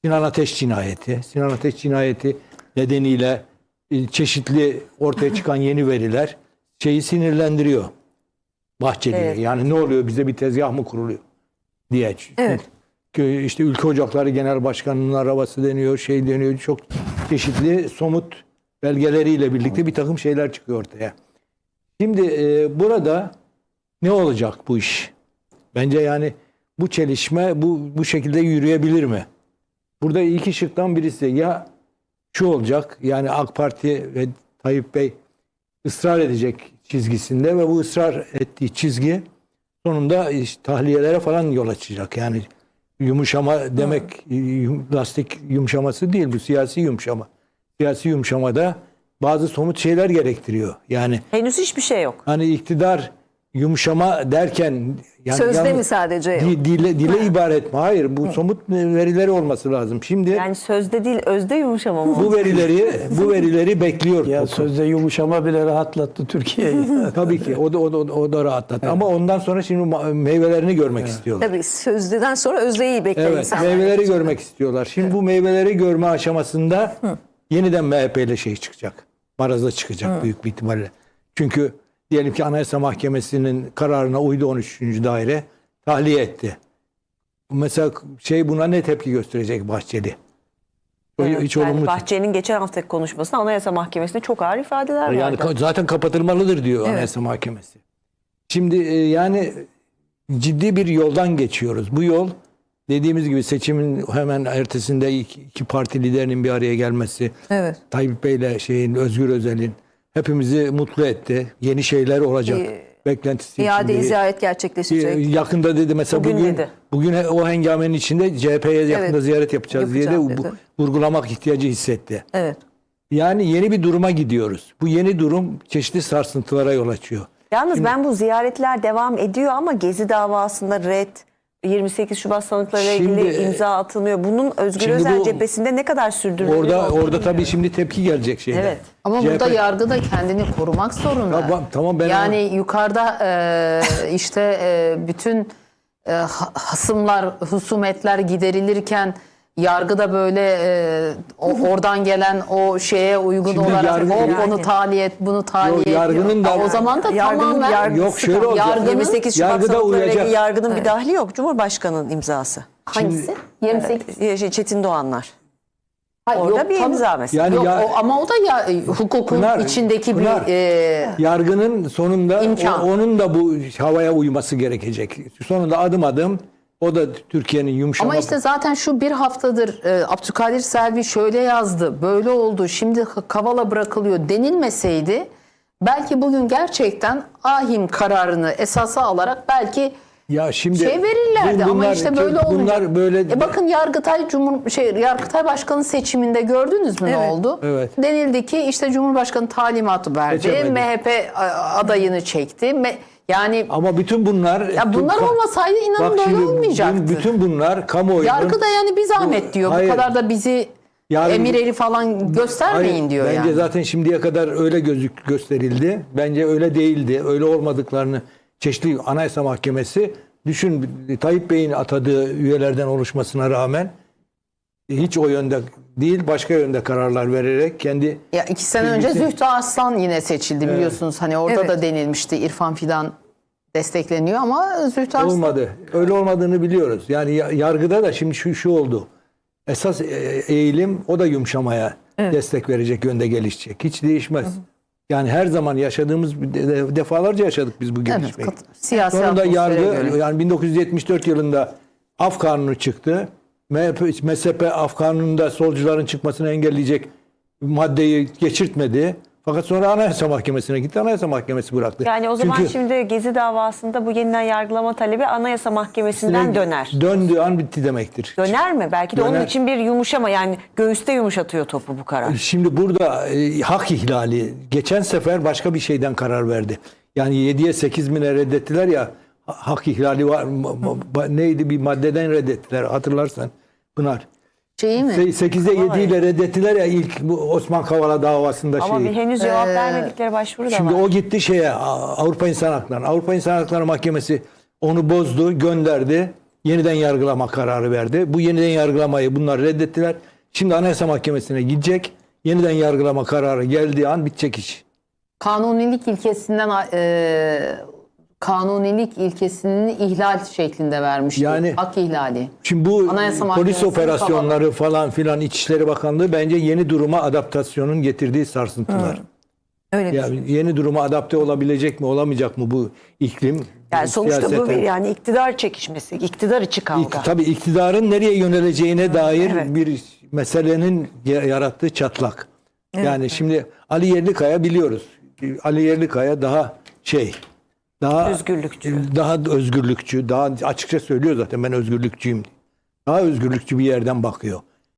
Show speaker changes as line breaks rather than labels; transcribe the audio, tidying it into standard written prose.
Sinan Ateş cinayeti. Sinan Ateş cinayeti nedeniyle çeşitli ortaya çıkan yeni veriler şeyi sinirlendiriyor Bahçeli'ye.
Evet.
Yani ne oluyor, bize bir tezgah mı kuruluyor diye.
Evet.
İşte Ülke Ocakları Genel Başkanı'nın arabası deniyor, şey deniyor. Çok çeşitli somut belgeleriyle birlikte bir takım şeyler çıkıyor ortaya. Şimdi burada ne olacak bu iş? Bence yani bu çelişme bu şekilde yürüyebilir mi? Burada iki şıktan birisi ya şu olacak, yani AK Parti ve Tayyip Bey ısrar edecek çizgisinde ve bu ısrar ettiği çizgi sonunda işte tahliyelere falan yol açacak. Yani yumuşama demek lastik yumuşaması değil, bu siyasi yumuşama. Siyasi yumuşamada bazı somut şeyler gerektiriyor. Yani
Henüz hiçbir şey yok.
hani iktidar yumuşama derken yani
Sözde mi sadece?
dile ibaret mi? Hayır, bu somut verileri olması lazım. Şimdi
Yani sözde değil, özde yumuşama mı?
bu verileri bekliyor.
Ya sözde yumuşama bile rahatlattı Türkiye'yi.
Tabii ki o da rahatlattı. Evet. Ama ondan sonra şimdi meyvelerini görmek istiyorlar.
Tabii sözlüden sonra özdeyi bekler
Evet,
insanlar.
meyveleri görmek istiyorlar. Şimdi bu meyveleri görme aşamasında yeniden MHP ile şey çıkacak. Baraza çıkacak büyük bir ihtimalle. Çünkü diyelim ki Anayasa Mahkemesi'nin kararına uydu 13. daire, tahliye etti. Mesela buna ne tepki gösterecek Bahçeli?
Evet,
Hiç
yani
olumlu.
Bahçeli'nin geçen haftaki konuşmasında Anayasa Mahkemesi'nde çok ağır ifadeler
Yani
vardı.
zaten kapatılmalıdır diyor Anayasa Mahkemesi. Şimdi yani ciddi bir yoldan geçiyoruz. Bu yol dediğimiz gibi seçimin hemen ertesinde iki parti liderinin bir araya gelmesi,
Evet.
Tayyip Bey'le Özgür Özel'in hepimizi mutlu etti. Yeni şeyler olacak. Beklentisi
İade
içindeyiz.
ziyaret gerçekleşecek.
Yakında dedi mesela bugün o hengamenin içinde CHP'ye yakında ziyaret yapacağız diye de
Yapacağım dedi.
vurgulamak ihtiyacı hissetti.
Evet.
Yani yeni bir duruma gidiyoruz. Bu yeni durum çeşitli sarsıntılara yol açıyor.
Yalnız ben bu ziyaretler devam ediyor ama Gezi davasında 28 Şubat sanıklarıyla ilgili imza atılmıyor. Bunun Özgür
Şimdi
Özel
bu-
cephesinde ne kadar sürdürülebilir?
Orada tabii şimdi tepki gelecek şeyler.
Evet.
Ama
CHP
burada yargı da kendini korumak zorunda.
Tamam, ben
yani yukarıda bütün husumetler giderilirken yargıda böyle oradan gelen o şeye uygun
Şimdi
olarak
yargı-
onu tahliye et, bunu tahliye et.
yargının da-
o zaman da
Yargının
tamamen
Yok, şöyle olacak.
yargının
28 Şubat
yargıda
sanıklarıyla ilgili
uyacak.
yargının bir dahli yok. Cumhurbaşkanı'nın imzası.
hangisi? 28.
Çetin Doğanlar.
Hayır,
Orada
yok,
bir imza mesela.
Yani
Yok, ama o da hukukun
Pınar,
içindeki
Pınar,
bir
yargının sonunda
İmkan.
onun da bu havaya uyması gerekecek. Sonunda adım adım o da Türkiye'nin yumuşama.
Ama işte zaten şu bir haftadır Abdülkadir Selvi şöyle yazdı, böyle oldu, şimdi Kavala bırakılıyor denilmeseydi belki bugün gerçekten ahim kararını esasa alarak belki
ya şimdi
verirlerdi ama işte böyle olunca.
Bunlar böyle
bakın Yargıtay Yargıtay Başkanı seçiminde gördünüz mü ne oldu?
Evet.
Denildi ki işte Cumhurbaşkanı talimatı verdi.
Seçemedi.
MHP adayını çekti. Yani
ama bütün bunlar
bunlar olmasaydı inanın
bak
böyle
şimdi
olmayacaktı.
bütün bunlar kamuoyunun
Yargı da yani bir zahmet diyor.
Hayır.
Bu kadar da bizi emir eli falan göstermeyin
Hayır,
diyor
bence
yani.
zaten şimdiye kadar öyle gösterildi. Bence öyle değildi. Öyle olmadıklarını çeşitli Anayasa Mahkemesi düşün, Tayyip Bey'in atadığı üyelerden oluşmasına rağmen hiç o yönde değil, başka yönde kararlar vererek kendi
Ya 2 sene önce Zühtü Arslan yine seçildi biliyorsunuz. Hani orada da denilmişti İrfan Fidan destekleniyor ama Zühtü Arslan
olmadı. Öyle olmadığını biliyoruz. Yani yargıda da şimdi şu oldu. Esas eğilim o da yumuşamaya destek verecek yönde gelişecek. Hiç değişmez. Yani her zaman yaşadığımız defalarca yaşadık biz bu gelişmeyi.
siyasi
Sonunda
atmosfere
yargı
göre.
yani 1974 yılında Af Kanunu çıktı. MSP Af Kanunu'nda solcuların çıkmasını engelleyecek maddeyi geçirtmedi. Fakat sonra Anayasa Mahkemesi'ne gitti. Anayasa Mahkemesi bıraktı.
Yani o zaman
Çünkü
şimdi Gezi davasında bu yeniden yargılama talebi Anayasa Mahkemesi'nden döner.
Döndüğü an bitti demektir.
Döner mi? Belki de onun
Döner.
için bir yumuşama, yani göğüste yumuşatıyor topu bu karar.
Şimdi burada hak ihlali. Geçen sefer başka bir şeyden karar verdi. Yani 7'ye 8 bine reddettiler ya, hak ihlali var. Neydi, bir maddeden reddettiler hatırlarsan Pınar.
Şeyi mi?
8'e 7 ile reddettiler ya ilk bu Osman Kavala davasında
Ama
şeyi.
bir henüz cevap vermedikleri başvuru da
Şimdi
var.
o gitti Avrupa İnsan Hakları. Avrupa İnsan Hakları Mahkemesi onu bozdu, gönderdi. yeniden yargılama kararı verdi. Bu yeniden yargılamayı bunlar reddettiler. Şimdi Anayasa Mahkemesi'ne gidecek. Yeniden yargılama kararı geldiği an bitecek iş.
Kanunilik ilkesinden kanunilik ilkesini ihlal şeklinde vermişti.
Yani-
Hak ihlali.
Şimdi bu
Anayasa
polis
Mahkemesi'nin
operasyonları falan filan İçişleri Bakanlığı bence yeni duruma adaptasyonun getirdiği sarsıntılar.
Öyle
Yani yeni duruma adapte olabilecek mi olamayacak mı bu iklim?
Yani sonuçta bu
siyaseten?
bir yani iktidar çekişmesi, iktidar içi kavga.
Tabii iktidarın nereye yöneleceğine dair
evet.
bir meselenin yarattığı çatlak. Yani şimdi Ali Yerlikaya biliyoruz. Ali Yerlikaya daha özgürlükçü, daha açıkça söylüyor zaten ben özgürlükçüyüm. Daha özgürlükçü bir yerden bakıyor.